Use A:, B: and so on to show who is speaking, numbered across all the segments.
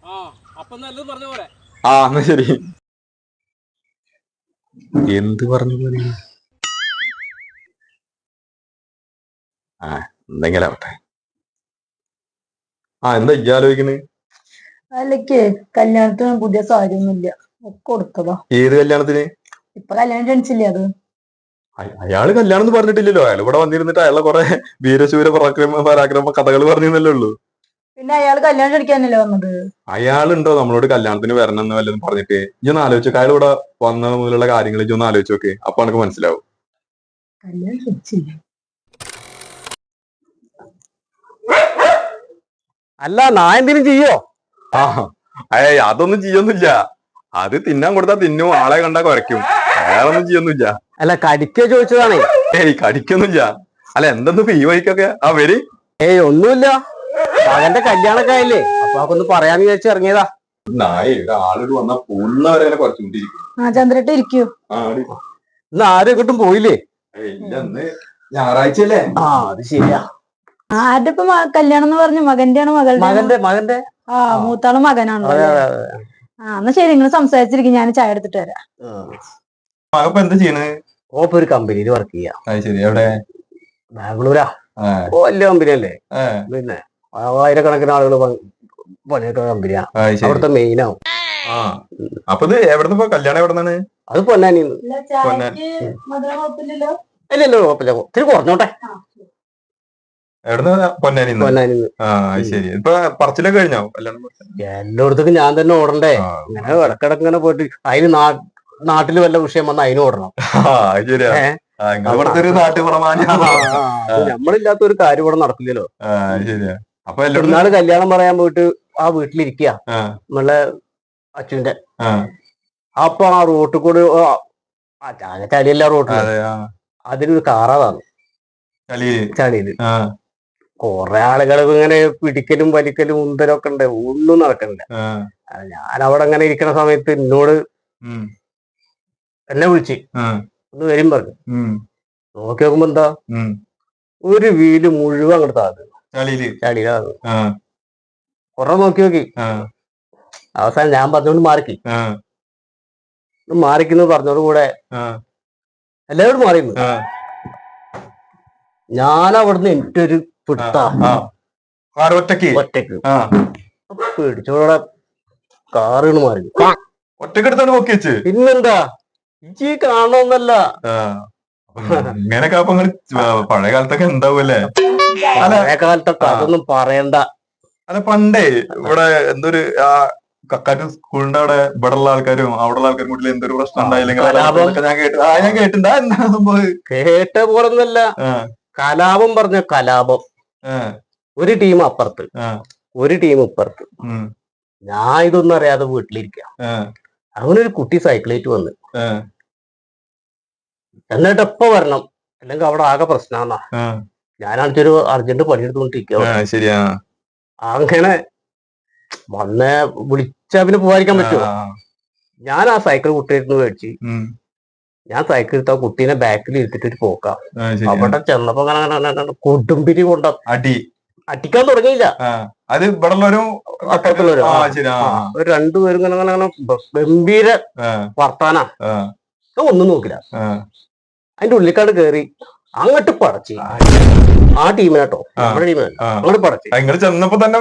A: ആ എന്നാ ശരി. എന്ത് പറഞ്ഞു പോലെ ആ എന്തെങ്കിലും ആവട്ടെ. എന്താ ആലോചിക്കുന്നത്?
B: അല്ലക്ക് കല്യാണത്തിന് പുതിയ സാരി ഒന്നുമില്ല, ഒക്കെ കൊടുത്തതാ.
A: ഏത് കല്യാണത്തിന്?
B: ഇപ്പൊ കല്യാണം ക്ഷണിച്ചില്ലേ അത്.
A: അയാള് കല്യാണം ഒന്നും പറഞ്ഞിട്ടില്ലല്ലോ. അയാൾ ഇവിടെ വന്നിരുന്നിട്ട് അയാളെ കുറെ വീരശൂര പരാക്രമ കഥകൾ പറഞ്ഞല്ലേ ഉള്ളൂ.
B: പിന്നെ അയാൾ കല്യാണം ക്ഷണിക്കാനല്ലേ വന്നത്.
A: അയാളുണ്ടോ നമ്മളോട് കല്യാണത്തിന് വരണം എന്ന് വല്ലതും പറഞ്ഞിട്ട്? ഇജൊന്ന് ആലോചിച്ചോക്കെ, അയാൾ ഇവിടെ വന്നത് മുതലുള്ള കാര്യങ്ങൾ ഇജൊന്ന് ആലോചിച്ചോക്കെ, അപ്പൊ എനിക്ക് മനസ്സിലാവും.
B: കല്യാണം ക്ഷണിച്ചില്ല.
C: അല്ല നാ എന്തിനും ചെയ്യോ?
A: അതൊന്നും ചെയ്യൊന്നുമില്ല. അത് തിന്നാൻ കൊടുത്താ തിന്നും, ആളെ കണ്ടാ കുറയ്ക്കും. വേറൊന്നും ചെയ്യൊന്നുമില്ല.
C: അല്ല കടിക്കോ ചോദിച്ചതാണേ.
A: കടിക്കൊന്നുമില്ല. അല്ല എന്തെന്ന് ഈ വഴിക്കൊക്കെ വരി.
C: ഒന്നുമില്ല, മകന്റെ കല്യാണൊക്കെ ആയില്ലേ, അപ്പൊ അതൊന്ന് പറയാന്ന് വിചാരിച്ചു ഇറങ്ങിയതാ.
A: ആളോട് വന്നാ പുള്ളവരെ കുറച്ചുകൊണ്ടിരിക്കും.
B: ചന്ദ്രട്ട് ഇരിക്കൂ.
C: ഇന്ന് ആരും എങ്ങോട്ടും പോയില്ലേ?
A: ഞായറാഴ്ച അല്ലേ?
C: അത് ശരിയാ.
B: ആരുടെ ഇപ്പൊ കല്യാണം എന്ന് പറഞ്ഞു? മകന്റെ ആണോ മകളുടെ?
C: മകന്റെ
B: മൂത്താള് മകനാണോ? എന്നാ ശരി, നിങ്ങൾ സംസാരിച്ചിരിക്കും, ഞാൻ ചായ എടുത്തിട്ട് വരാം.
A: മകപ്പ എന്താ ചെയ്യണേ?
C: ഓപ്പ ഒരു കമ്പനിയിൽ വർക്ക് ചെയ്യാം.
A: ശരി. എവിടെ?
C: ബാംഗ്ലൂരാ. വലിയ കമ്പനി അല്ലേ, പിന്നെ 1000കണക്കിന് ആളുകൾ പണിയെടുക്കുന്ന കമ്പനിയാ. അവിടുത്തെ മെയിൻ ആവും.
A: അപ്പൊ ഇത് എവിടുന്ന് കല്യാണം എവിടുന്നാണ്?
C: അത് പൊന്നാനിന്ന്. ഇല്ലല്ലോ കുഴപ്പമില്ല, ഇത്തിരി കുറഞ്ഞോട്ടെ.
A: എവിടുന്ന്? പൊന്നാനിന്ന്. ശരി. ഇപ്പൊ പറച്ചിലൊക്കെ കഴിഞ്ഞോ?
C: എല്ലായിടത്തേക്കും ഞാൻ തന്നെ ഓടണ്ടേ? ഇങ്ങനെ ഇടക്കിടക്ക് ഇങ്ങനെ പോയിട്ട് അതിന് നാട്ടില് വല്ല വിഷയം വന്ന അതിന് ഓടണം. നമ്മളില്ലാത്ത ഒരു കാര്യം ഇവിടെ നടക്കില്ലല്ലോ.
A: അപ്പൊ
C: എന്നാള് കല്യാണം പറയാൻ പോയിട്ട് ആ വീട്ടിലിരിക്കുക നമ്മളെ അച്ഛന്റെ. അപ്പൊ ആ റോട്ടിൽ കൂടെ ചളിയല്ല റോട്ടിൽ, അതിനൊരു കാറാതാണ് ചളിയില്. കൊറേ ആളുകൾ ഇങ്ങനെ പിടിക്കലും വലിക്കലും ഉന്തലൊക്കെ ഉണ്ട്, ഒന്നും നടക്കണില്ല. ഞാൻ അവിടെ അങ്ങനെ ഇരിക്കുന്ന സമയത്ത് എന്നോട് എന്നെ വിളിച്ച് ഒന്ന് വരും പറഞ്ഞു. നോക്കി നോക്കുമ്പോ എന്താ, ഒരു വീല് മുഴുവൻ അങ്ങോട്ട് താഴ്ന്നു, ചളിയിലാണ്. കൊറേ നോക്കി അവസാനം ഞാൻ പറഞ്ഞോണ്ട് മാറിക്കുന്നു പറഞ്ഞോട് കൂടെ എല്ലാവരും മാറിയിരുന്നു. ഞാൻ അവിടുന്ന് എൻ്റെ ഒരു ഒറ്റക്ക് പേടിച്ചോടെ കാറുകൾ മാറി.
A: ഒറ്റക്കെടുത്താണ് നോക്കി വെച്ച്.
C: പിന്നെന്താ ഈ കാണണമെന്നല്ല.
A: ഇങ്ങനെയൊക്കെ പഴയ കാലത്തൊക്കെ ഉണ്ടാവൂല്ലേ?
C: പഴയ കാലത്തൊക്കെ അതൊന്നും പറയണ്ട.
A: അല്ല പണ്ടേ ഇവിടെ എന്തൊരു കക്കാറ്റ് സ്കൂളിന്റെ അവിടെ ഇവിടെ ഉള്ള ആൾക്കാരും അവിടെ ഉള്ള ആൾക്കാരും കൂടി എന്തൊരു പ്രശ്നം ഉണ്ടായില്ലെങ്കിൽ ഞാൻ കേട്ടിട്ടുണ്ടാ.
C: കേട്ട പോലൊന്നല്ല, കലാപം പറഞ്ഞ കലാപം. ഒരു ടീം അപ്പുറത്ത്, ഒരു ടീം ഇപ്പുറത്ത്. ഞാൻ ഇതൊന്നും അറിയാതെ വീട്ടിലിരിക്കാം. അവനൊരു കുട്ടി സൈക്കിളേറ്റ് വന്ന്, എന്നിട്ട് എപ്പ വരണം അല്ലെങ്കിൽ അവിടെ ആകെ പ്രശ്നമാന്നാ. ഞാനാണിച്ചൊരു അർജന്റ് പണിയെടുത്തോണ്ടിരിക്കുക. അങ്ങനെ വന്ന് വിളിച്ചാ പിന്നെ പോകാതിരിക്കാൻ പറ്റുമോ? ഞാൻ ആ സൈക്കിൾ കുട്ടിയായിരുന്നു മേടിച്ച്, ഞാൻ സൈക്കിൾ എടുത്ത കുട്ടീനെ ബാക്കിൽ ഇരുത്തിട്ട് പോക്കാം. അവിടെ ചെന്നപ്പോ കൊടുമ്പിരി കൊണ്ട അടിക്കാൻ തുടങ്ങിയില്ല.
A: അത് ഇവിടെ
C: അപ്പുറത്തുള്ളവരും രണ്ടുപേരും ഇങ്ങനെ ഗംഭീര വർത്താനാ. ഒന്നും നോക്കില്ല, അതിന്റെ ഉള്ളിക്കാട് കേറി അങ്ങോട്ട് പടച്ച് ആ ടീമിനാട്ടോ, നമ്മുടെ ടീമിനാ. അങ്ങോട്ട് പടച്ച്
A: ചെന്നപ്പോ തന്നെ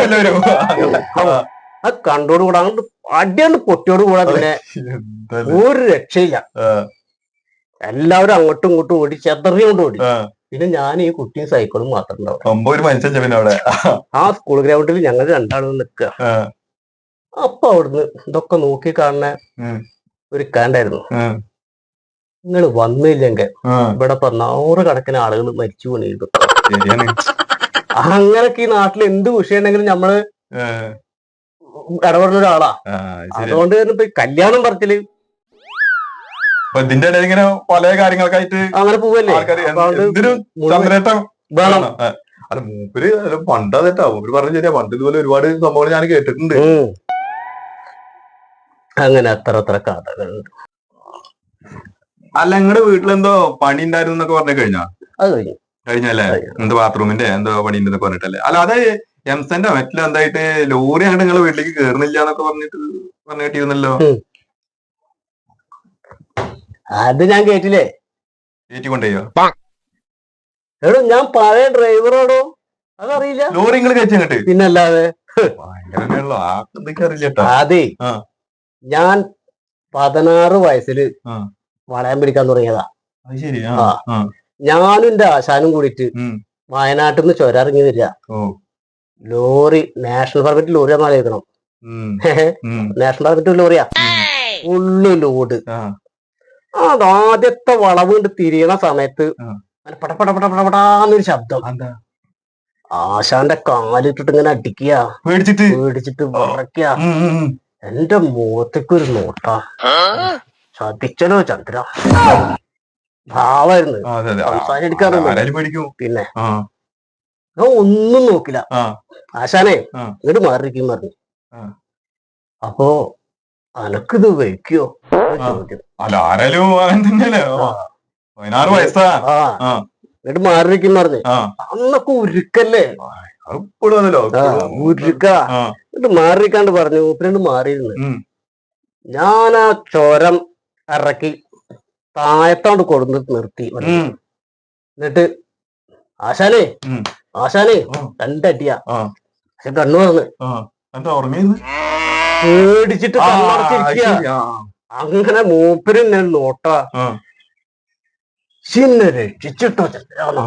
C: ആ കണ്ടോട് കൂടെ അങ്ങോട്ട് അടിയാണ്ട് പൊട്ടിയോട് കൂടെ പിന്നെ ഒരു രക്ഷയില്ല. എല്ലാവരും അങ്ങോട്ടും ഇങ്ങോട്ടും ഓടി, ചെതറിയോണ്ട് ഓടി. പിന്നെ ഞാൻ ഈ കുട്ടിയും സൈക്കിളും മാത്രം ഉണ്ടാവും. ആ സ്കൂൾ ഗ്രൗണ്ടിൽ ഞങ്ങൾ രണ്ടാളും നിൽക്കുക. അപ്പൊ അവിടുന്ന് ഇതൊക്കെ നോക്കി കാണുന്ന ഒരു കാണ്ടായിരുന്നു. നിങ്ങൾ വന്നില്ലെങ്കിൽ ഇവിടെ ഇപ്പൊ 100 കണക്കിന് ആളുകൾ മരിച്ചു വീണിരുന്നു. അങ്ങനൊക്കെ ഈ നാട്ടിൽ എന്ത് വിഷയം ഉണ്ടെങ്കിലും നമ്മള് ഇടപെടുന്ന ഒരാളാ. അതുകൊണ്ട് തന്നെ ഇപ്പൊ കല്യാണം പറച്ചില്
A: ഇതിന്റെ ഇടയിൽ ഇങ്ങനെ പല കാര്യങ്ങൾക്കായിട്ട്
C: അങ്ങനെ പോവല്ലേ.
A: വേണം. അല്ല മൂപ്പര് പണ്ടാ തെറ്റാ മൂപ്പര് പറഞ്ഞ ശരിയാ. പണ്ട് ഇതുപോലെ ഒരുപാട് സംഭവങ്ങൾ ഞാൻ കേട്ടിട്ടുണ്ട്.
C: അങ്ങനെ അത്ര കഥകളുണ്ട്.
A: അല്ല നിങ്ങളുടെ വീട്ടിലെന്തോ പണി ഉണ്ടായിരുന്നു എന്നൊക്കെ പറഞ്ഞ കഴിഞ്ഞാ?
C: അത് കഴിഞ്ഞു.
A: കഴിഞ്ഞല്ലേ? എന്തോ ബാത്റൂമിന്റെ എന്തോ പണി ഉണ്ടെന്നൊക്കെ പറഞ്ഞിട്ടല്ലേ? അല്ല അത് എംസന്റെ മറ്റിൽ എന്തായിട്ട് ലോറി അങ്ങോട്ട് നിങ്ങളെ വീട്ടിലേക്ക് കേറുന്നില്ല എന്നൊക്കെ പറഞ്ഞു കേട്ടിരുന്നല്ലോ.
C: അത് ഞാൻ കേട്ടില്ലേ.
A: കയറ്റിക്കൊണ്ടേയോ?
C: എടോ ഞാൻ പഴയ ഡ്രൈവറോടോ, അതറിയില്ല.
A: ലോറി നിങ്ങൾ കയറ്റി അങ്ങോട്ട്?
C: പിന്നല്ലാതെ.
A: ഭയങ്കരമേളോ ആർക്കൊക്കെ അറിയില്ലട്ടോ.
C: അതെ, ഞാൻ 16 വയസ്സില് വളയം പിടിക്കാൻ തുടങ്ങിയതാ.
A: അത് ശരി.
C: ഞാനും എന്റെ ആശാനും കൂടിയിട്ട് വയനാട്ടിൽ നിന്ന് ചുരമിറങ്ങി വരിക. ലോറി നാഷണൽ പെർമിറ്റ് ലോറിയാന്ന് ആലോചിക്കണം. നാഷണൽ പെർമിറ്റ് ലോറിയാ, ഫുള്ള് ലോഡ്. ആദ്യത്തെ വളവ് കൊണ്ട് തിരിയണ സമയത്ത് പടപടപടപടാന്നൊരു ശബ്ദം. ആശാന്റെ കാലിട്ടിട്ട് ഇങ്ങനെ അടിക്കുക, പേടിച്ചിട്ട് വിറയ്ക്കുക. എന്റെ മുഖത്തേക്കൊരു നോട്ട. ചതിച്ചല്ലോ ചന്ദ്ര. ഭാവായിരുന്നു, സംസാരിക്കാറുണ്ട്. പിന്നെ ഞാൻ ഒന്നും നോക്കില്ല. ആശാനെ ഇങ്ങോട്ട് മാറിയിരിക്കും പറഞ്ഞു. അപ്പോ അനക്കിത് വയ്ക്കോ ചോദ്യം. എന്നിട്ട് മാറിയിരിക്കും പറഞ്ഞു. അന്നൊക്കെ ഉരുക്കല്ലേ, ഉരുക്ക. എന്നിട്ട് മാറിയിരിക്കാണ്ട് പറഞ്ഞു. മൂപ്പരണ്ട് മാറിയിരുന്നു. ഞാൻ ആ ചോരം ഇറക്കി താഴത്തോണ്ട് കൊടുന്ന് നിർത്തി. എന്നിട്ട് ആശാനെ ആശാനെ രണ്ടടിയാ. പക്ഷെ കണ്ണു പറഞ്ഞു പേടിച്ചിട്ട് കണ്ണടച്ചിരിക്കുക. അങ്ങനെ മൂപ്പരും ഞാൻ നോട്ട രക്ഷിച്ചിട്ടോ ചന്ദ്രാണോ.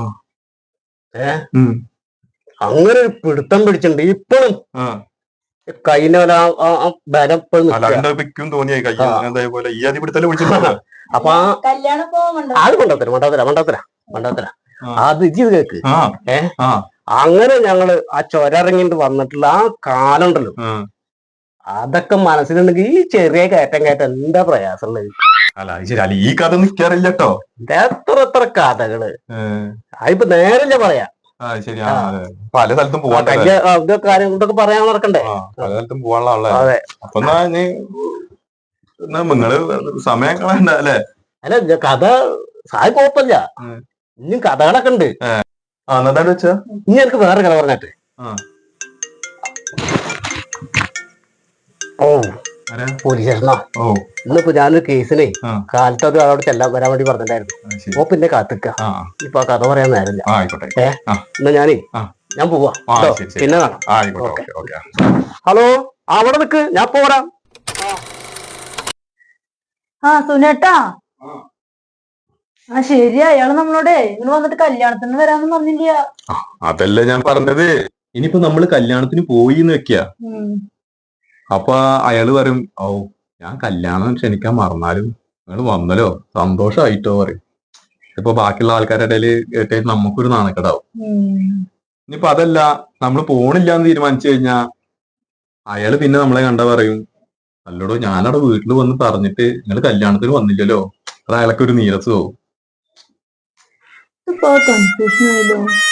C: അങ്ങനെ ഒരു പിടുത്തം പിടിച്ചിട്ടുണ്ട്. ഇപ്പോഴും കൈന ബലം അപ്പൊ അത് മണ്ടത്തര അത് ഇത് കേക്ക്. അങ്ങനെ ഞങ്ങള് ആ ചൊരറങ്ങിട്ട് വന്നിട്ടുള്ള ആ കാലം ഉണ്ടല്ലോ, അതൊക്കെ മനസ്സിലുണ്ടെങ്കിൽ ഈ ചെറിയ കയറ്റം എന്താ പ്രയാസമുള്ളത്.
A: ഈ കഥ നിക്കാറില്ല കേട്ടോ.
C: എത്ര കഥകള് അതിപ്പോ നേരല്ലേ പറയാ.
A: പല സ്ഥലത്തും പോവാൻ
C: ഇതൊക്കെ പറയാൻ നടക്കണ്ടേ.
A: പല സ്ഥലത്തും പോവാനുള്ള. അപ്പൊ നിങ്ങള് സമയം കളയണ്ട അല്ലേ?
C: അല്ല കഥ സായി കുഴപ്പമില്ല. ഇനിയും കഥകളൊക്കെ ഉണ്ട്.
A: എന്നതാ വെച്ചാ
C: ഇനി എനിക്ക് വേറെ കഥ പറഞ്ഞിട്ട്. പോലീസ് സ്റ്റേഷനാ. ഇന്നിപ്പോ ഞാനൊരു കേസിനെ കാലത്ത് അത് അവിടെ വരാൻ വേണ്ടി പറഞ്ഞിട്ടുണ്ടായിരുന്നു. ഓ പിന്നെ കാത്തിക്ക. ഇപ്പൊ ആ കഥ പറയാൻ നേരമില്ല. എന്നാ ഞാൻ പോവാ. പിന്നെ ഹലോ, അവിടെ നിക്ക്, ഞാൻ പോരാ.
B: സുനേട്ടാ, ശരിയാ. അയാള് നമ്മളോടെ നിങ്ങൾ വന്നിട്ട് കല്യാണത്തിന് വരാന്ന് പറഞ്ഞില്ല.
A: അതല്ലേ ഞാൻ പറഞ്ഞത്. ഇനിയിപ്പോ നമ്മള് കല്യാണത്തിന് പോയിന്ന് വെക്ക. അപ്പൊ അയാള് പറയും, ഓ ഞാൻ കല്യാണം ക്ഷണിക്കാൻ മറന്നാലും നിങ്ങൾ വന്നല്ലോ, സന്തോഷായിട്ടോ പറയും. ഇപ്പൊ ബാക്കിയുള്ള ആൾക്കാരുടെ ഇടയില് കേട്ടായിട്ട് നമുക്കൊരു നാണക്കേടാവും. ഇനിയിപ്പോ അതല്ല, നമ്മൾ പോണില്ലാന്ന് തീരുമാനിച്ചു കഴിഞ്ഞാ അയാള് പിന്നെ നമ്മളെ കണ്ട പറയും, അല്ലടോ ഞാനവിടെ വീട്ടിൽ വന്ന് പറഞ്ഞിട്ട് നിങ്ങൾ കല്യാണത്തിന് വന്നില്ലല്ലോ. അത് അയാൾക്ക് ഒരു നീരസവും.
B: കൺഫ്യൂഷൻ ആയല്ലോ.